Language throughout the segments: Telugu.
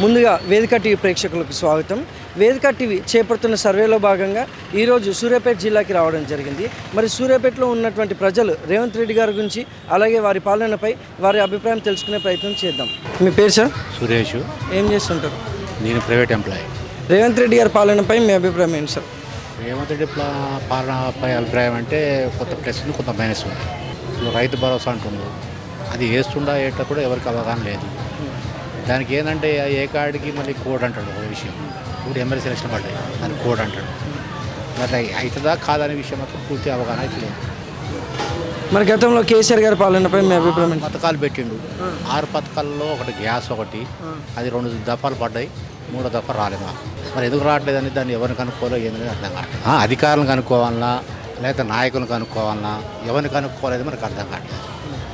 ముందుగా వేదిక టీవీ ప్రేక్షకులకు స్వాగతం. వేదిక టీవీ చేపడుతున్న సర్వేలో భాగంగా ఈరోజు సూర్యాపేట జిల్లాకి రావడం జరిగింది. మరి సూర్యాపేటలో ఉన్నటువంటి ప్రజలు రేవంత్ రెడ్డి గారి గురించి అలాగే వారి పాలనపై వారి అభిప్రాయం తెలుసుకునే ప్రయత్నం చేద్దాం. మీ పేరు సార్? సురేష్. ఏం చేస్తుంటారు? నేను ప్రైవేట్ ఎంప్లాయీ. రేవంత్ రెడ్డి గారి పాలనపై మీ అభిప్రాయం ఏంటి సార్? రేవంత్ రెడ్డి పాలనపై అభిప్రాయం అంటే కొంత ప్లస్ ఉంది, కొంత మైనస్ ఉంది. రైతు భరోసా అంటుండ్రు, అది వేస్తుండా ఏటా కూడా ఎవరికి అవగాహన లేదు. దానికి ఏంటంటే ఏ కార్డుకి మళ్ళీ కోడ్ అంటాడు ఒక విషయం. ఇప్పుడు ఎమ్మెల్యే సెలక్షన్ పడ్డాయి, దానికి కోడ్ అంటాడు. మరి అవుతుందా కాదనే విషయం మాత్రం పూర్తి అవగాహన అయితే లేదు. మరి గతంలో కేసీఆర్ గారి పాలనపై మీ అభిప్రాయం? పథకాలు పెట్టిండు, 6 పథకాల్లో ఒకటి గ్యాస్, ఒకటి అది 2 దఫాలు పడ్డాయి, 3వ దఫా రాలేదు. మరి ఎందుకు రావట్లేదని దాన్ని ఎవరిని కనుక్కోవాలో ఏందని అర్థం కావట్లేదు. అధికారులను కనుక్కోవాలన్నా లేకపోతే నాయకులను కనుక్కోవాలన్నా ఎవరిని కనుక్కోలేదు మనకు అర్థం కావట్లేదు.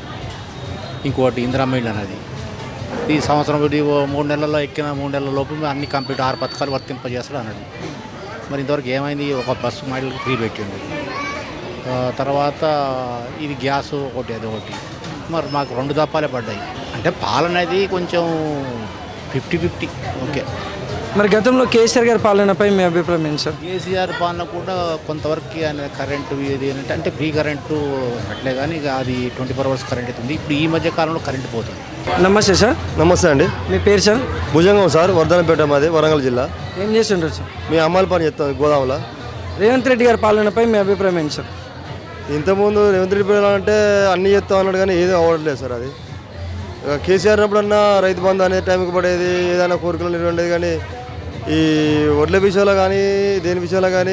ఇంకోటి ఇందిరమ్మ ఇల్లు అనేది ఈ సంవత్సరం 3 నెలల్లో ఎక్కిన 3 నెలల లోపు అన్ని కంప్లీట్ 6 పథకాలు వర్తింపజేస్తాడు అన్నాడు. మరి ఇంతవరకు ఏమైంది? ఒక బస్సు మహిళలకు ఫ్రీ పెట్టిండు, తర్వాత ఇది గ్యాస్ ఒకటి అది ఒకటి. మరి మాకు 2 దఫాలే పడ్డాయి. అంటే పాలన అనేది కొంచెం 50-50 ఓకే. మరి గతంలో కేసీఆర్ గారి పాలనపై మీ అభిప్రాయం ఏంటి సార్? కేసీఆర్ పాలన కూడా కొంతవరకు అనేది కరెంటు ఇది అంటే ఫ్రీ కరెంటు అట్లే, కానీ అది 24 hours కరెంట్ అవుతుంది. ఇప్పుడు ఈ మధ్య కాలంలో కరెంటు పోతుంది. నమస్తే సార్. నమస్తే అండి. మీ పేరు సార్? భుజంగం సార్, వర్ధనపేట, మాది వరంగల్ జిల్లా. ఏం చేస్తుంటారు సార్? మీ అమ్మాయిల పని చెప్తాను గోదాములో. రేవంత్ రెడ్డి గారి పాలనపై మీ అభిప్రాయం ఏంటి సార్? ఇంతకుముందు రేవంత్ రెడ్డి అంటే అన్నీ చెప్తా అన్నాడు, కానీ ఏది అవ్వట్లేదు సార్. అది కేసీఆర్ అప్పుడన్నా రైతు బంధు అనే టైంకి పడేది, ఏదైనా కోరికలు నిర్వహించేది. కానీ ఈ వడ్ల విషయంలో కానీ దేని విషయంలో కానీ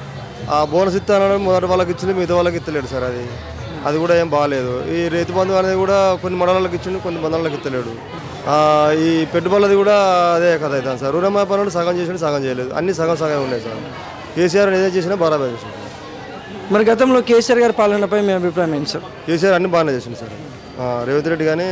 ఆ బోనస్ ఇస్తానని మొదటి వాళ్ళకి ఇచ్చింది, మిగతా వాళ్ళకి ఇస్తలేడు సార్. అది కూడా ఏం బాగాలేదు. ఈ రైతు బంధు అనేది కూడా కొన్ని మండలాలకు ఇచ్చిండు, కొన్ని మండలాలకు ఇస్తలేడు. ఈ పెట్టుబడులది కూడా అదే కథ అవుతుంది సార్. రుణమా పనులు సగం చేసిండు, సగం చేయలేదు. అన్నీ సగం సగం ఉన్నాయి సార్. కేసీఆర్ ఏదైనా చేసినా బరాబర్ చేసిండు. మరి గతంలో కేసీఆర్ గారి పాలనపై మీ అభిప్రాయం ఏంటి సార్? కేసీఆర్ అన్ని బాగానే చేసిండు సార్. రేవంత్ రెడ్డి కానీ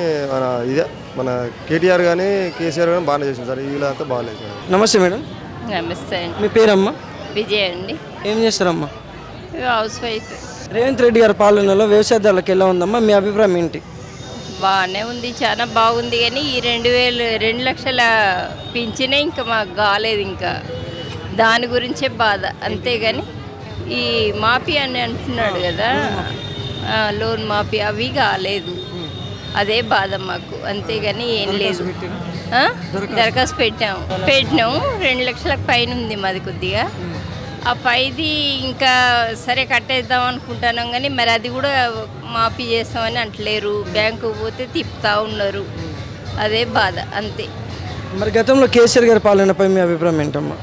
మన కేటీఆర్ కానీ కేసీఆర్ కానీ బాగానే చేసింది సార్. వీళ్ళంతా బాగాలేదు సార్. నమస్తే మేడం. నమస్తే అండి. మీ పేరమ్మా? విజయ్ అండి. ఏం చేస్తారమ్మా? House wife. రేవంత్ రెడ్డి గారి పాలనలో వ్యవసాయదారులకు ఎలా ఉందమ్మా? మీ అభిప్రాయం ఏంటి? బాగానే ఉంది, చాలా బాగుంది. కానీ ఈ 2 లక్షల పింఛనే ఇంకా మాకు కాలేదు. ఇంకా దాని గురించే బాధ, అంతేగాని ఈ మాఫీ అని అంటున్నాడు కదా, లోన్ మాఫీ అవి కాలేదు. అదే బాధ మాకు, అంతేగాని ఏం లేదు. దరఖాస్తు పెట్టాము 2 లక్షలకు పైన ఉంది మాది. కొద్దిగా ఆ పైది ఇంకా సరే కట్టేద్దాం అనుకుంటున్నాం, కానీ మరి అది కూడా మాఫీ చేస్తామని అంటలేరు. బ్యాంకు పోతే తిప్పుతూ ఉన్నారు, అదే బాధ, అంతే. మరి గతంలో కేసీఆర్ గారి పాలనపై మీ అభిప్రాయం ఏంటమ్మా?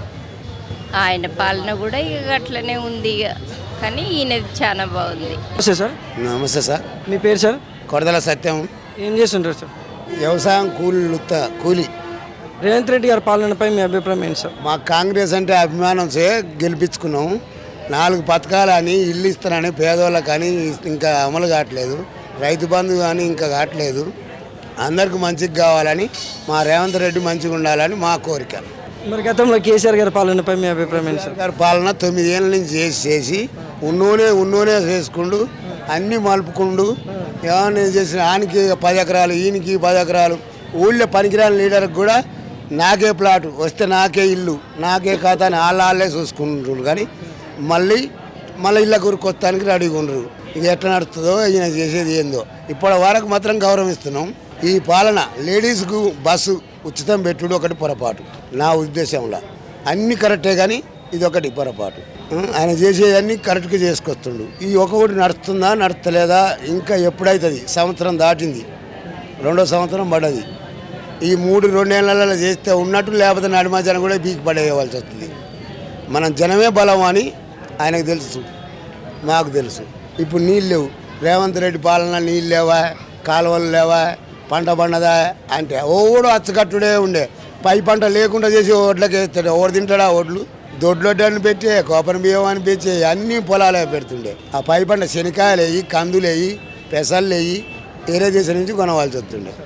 ఆయన పాలన కూడా ఇక అట్లనే ఉంది ఇక, కానీ ఈయనది చాలా బాగుంది. నమస్తే సార్. నమస్తే సార్. మీ పేరు సార్? కొడదల సత్యం. ఏం చేస్తుంటారు సార్? వ్యవసాయం కూలి. రేవంత్ రెడ్డి గారి పాలనపై మీ అభిప్రాయం ఏంటి సార్? మా కాంగ్రెస్ అంటే అభిమానం గెలిపించుకున్నాం. 4 పథకాలు అని, ఇల్లు ఇస్తానని పేదవాళ్ళకి కానీ ఇంకా అమలు కావట్లేదు. రైతు బంధు కానీ ఇంకా కావట్లేదు. అందరికి మంచిగా కావాలని, మా రేవంత్ రెడ్డి మంచిగా ఉండాలని మా కోరిక. మరి గతంలో కేసీఆర్ గారి పాలనపై మీ అభిప్రాయం ఏంటి సార్? గారి పాలన 9 ఏళ్ళ నుంచి చేసి ఉన్నోనే చేసుకుండు, అన్నీ మలుపుకుండు. ఏమన్నా చేసిన ఆయనకి 10 ఎకరాలు, ఈయనకి 10 ఎకరాలు. ఊళ్ళో పనికిరాని లీడర్కి కూడా నాకే ప్లాటు వస్తే నాకే ఇల్లు, నాకే ఖాతా అని వాళ్ళే చూసుకుంటారు. కానీ మళ్ళీ ఇళ్ళ కొత్తానికి రెడీగా ఉండరు. ఇది ఎట్లా నడుస్తుందో, ఈయన చేసేది ఏందో. ఇప్పటి వరకు మాత్రం గౌరవిస్తున్నాం. ఈ పాలన లేడీస్కు బస్సు ఉచితం పెట్టుడు ఒకటి పొరపాటు నా ఉద్దేశంలో. అన్నీ కరెక్టే, కానీ ఇది ఒకటి పొరపాటు. ఆయన చేసేదన్నీ కరెక్ట్గా చేసుకొస్తుండు. ఈ ఒకటి నడుస్తుందా నడుస్తలేదా ఇంకా ఎప్పుడైతుంది? సంవత్సరం దాటింది, 2వ సంవత్సరం పడ్డది. ఈ 2 నెలలలో చేస్తే ఉన్నట్టు, లేకపోతే నడిమజన కూడా పీకి పడేయవలసి వస్తుంది. మనం జనమే బలం అని ఆయనకు తెలుసు, మాకు తెలుసు. ఇప్పుడు నీళ్ళు లేవు. రేవంత్ రెడ్డి పాలన నీళ్ళు లేవా, కాలువలు లేవా, పంట పండదా అంటే ఓడు అచ్చకట్టుడే ఉండే. పై పంట లేకుండా చేసి ఓట్లకి వేస్తాడు. ఓడి తింటాడా ఓట్లు? దొడ్లొడ్డని పెట్టి కోపన బియ్యం అని పెంచి అన్నీ పొలాలే పెడుతుండే. ఆ పై పంట శనకాయలు వేయి, కందులు వేయి, పెసలు వేయి, వేరే దేశం నుంచి కొనవలసి వస్తుండే.